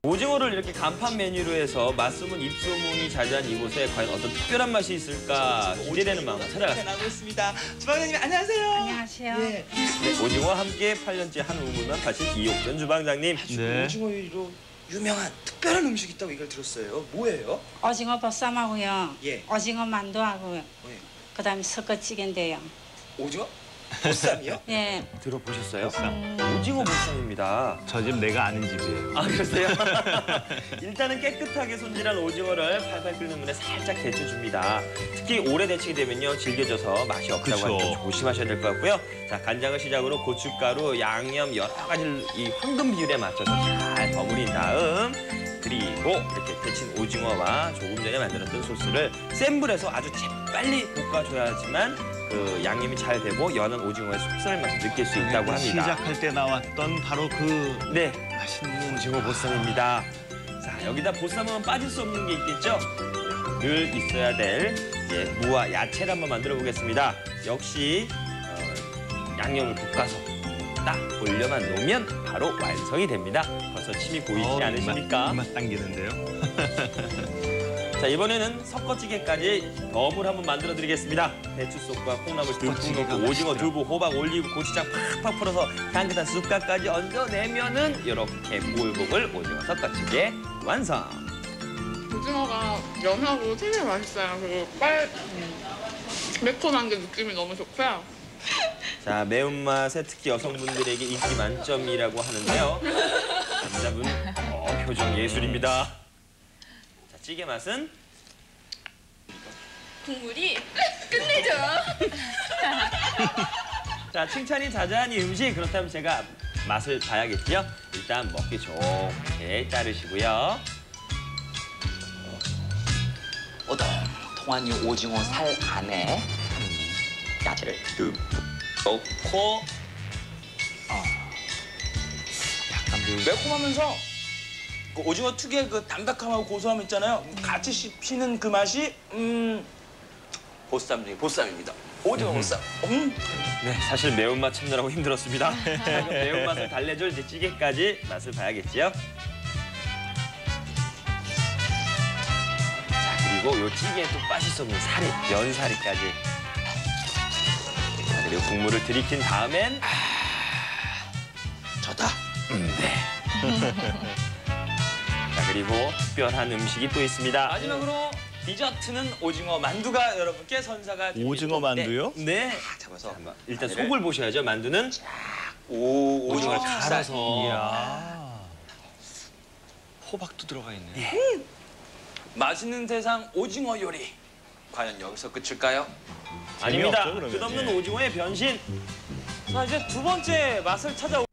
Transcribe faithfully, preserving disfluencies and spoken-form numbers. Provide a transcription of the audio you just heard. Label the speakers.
Speaker 1: 오징어를 이렇게 간판 메뉴로 해서 맛소문, 입소문이 자자한 이곳에 과연 어떤 특별한 맛이 있을까 기대되는 마음으로 찾아갔습니다.
Speaker 2: 나고 있습니다. 주방장님 안녕하세요.
Speaker 3: 안녕하세요.
Speaker 2: 예.
Speaker 1: 네, 오징어와 함께 팔 년째 한 우물만 파신 이옥전 주방장님.
Speaker 2: 네. 오징어 요리로 유명한 특별한 음식이 있다고 얘기를 들었어요. 뭐예요?
Speaker 3: 오징어 보쌈하고요.
Speaker 2: 예.
Speaker 3: 오징어 만두하고요.
Speaker 2: 예.
Speaker 3: 그다음에 석어찌개인데요.
Speaker 2: 오징어? 보쌈이요?
Speaker 3: 예.
Speaker 1: 들어보셨어요?
Speaker 3: 음.
Speaker 1: 오징어 보쌈입니다.
Speaker 4: 저 집 내가 아는 집이에요.
Speaker 1: 아, 그러세요? 일단은 깨끗하게 손질한 오징어를 팔팔 끓는 물에 살짝 데쳐줍니다. 특히 오래 데치게 되면요, 질겨져서 맛이 없다고
Speaker 4: 그쵸.
Speaker 1: 하니까 조심하셔야 될 것 같고요. 자, 간장을 시작으로 고춧가루, 양념 여러 가지를 이 황금 비율에 맞춰서 잘 버무린 다음 그리고 이렇게 데친 오징어와 조금 전에 만들었던 소스를 센 불에서 아주 재빨리 볶아줘야지만 그 양념이 잘 되고 연한 오징어의 속살 맛을 느낄 수 있다고 합니다.
Speaker 4: 시작할 때 나왔던 바로 그
Speaker 1: 네,
Speaker 4: 맛있는
Speaker 1: 오징어 보쌈입니다. 자, 여기다 보쌈하면 빠질 수 없는 게 있겠죠? 늘 있어야 될 이제 무와 야채를 한번 만들어 보겠습니다. 역시 어, 양념을 볶아서 딱 올려만 놓으면 바로 완성이 됩니다. 벌써 침이 보이지
Speaker 4: 어,
Speaker 1: 않으십니까?
Speaker 4: 입맛, 입맛 당기는데요.
Speaker 1: 자, 이번에는 섞어찌개까지 덤을 한번 만들어 드리겠습니다. 배추속과 콩나물 듬뿍
Speaker 4: 섞어찌개가
Speaker 1: 넣고 오징어,
Speaker 4: 맛있더라.
Speaker 1: 두부, 호박, 올리브, 고추장 팍팍 풀어서 향긋한 쑥갓까지 얹어내면은 이렇게 보글보글 오징어 섞어찌개 완성!
Speaker 5: 오징어가 연하고 되게 맛있어요. 그리고 빨 매콤한 게 느낌이 너무 좋고요.
Speaker 1: 자, 매운맛에 특히 여성분들에게 인기 만점이라고 하는데요. 남자분, 어, 표정 예술입니다. 자, 찌개 맛은?
Speaker 6: 국물이 끝내줘요.
Speaker 1: 자, 칭찬이 자자한 이 음식, 그렇다면 제가 맛을 봐야겠죠? 일단 먹기 좋게 따르시고요.
Speaker 2: 오동통한 이 오징어 살 안에 야채를 듬뿍 넣고
Speaker 4: 약간 그
Speaker 2: 매콤하면서 그 오징어 특유의 그 담백함하고 고소함 있잖아요. 같이 씹히는 그 맛이 음 보쌈 중에 보쌈입니다. 오징어 보쌈. 음.
Speaker 1: 네, 사실 매운맛 참느라고 힘들었습니다. 자, 그럼 매운맛을 달래줄 이제 찌개까지 맛을 봐야겠지요? 자, 그리고 요 찌개에 또 빠질 수 없는 사리, 면사리까지. 자, 그리고 국물을 들이킨 다음엔
Speaker 2: 좋다.
Speaker 1: 음, 네. 자, 그리고 특별한 음식이 또 있습니다. 마지막으로 디저트는 오징어 만두가 여러분께 선사가 됩니다.
Speaker 4: 오징어 만두요?
Speaker 1: 네.
Speaker 2: 잡아서
Speaker 1: 한번 일단
Speaker 2: 마늘을.
Speaker 1: 속을 보셔야죠. 만두는
Speaker 2: 오
Speaker 1: 오징어를
Speaker 2: 오징어
Speaker 1: 갈아서.
Speaker 4: 이야. 호박도 들어가 있네.
Speaker 2: 맛있는 세상 오징어 요리. 과연 여기서 끝일까요?
Speaker 1: 아닙니다.
Speaker 4: 재미없죠, 그러면.
Speaker 1: 끝없는
Speaker 4: 예.
Speaker 1: 오징어의 변신. 자, 이제 두 번째 맛을 찾아.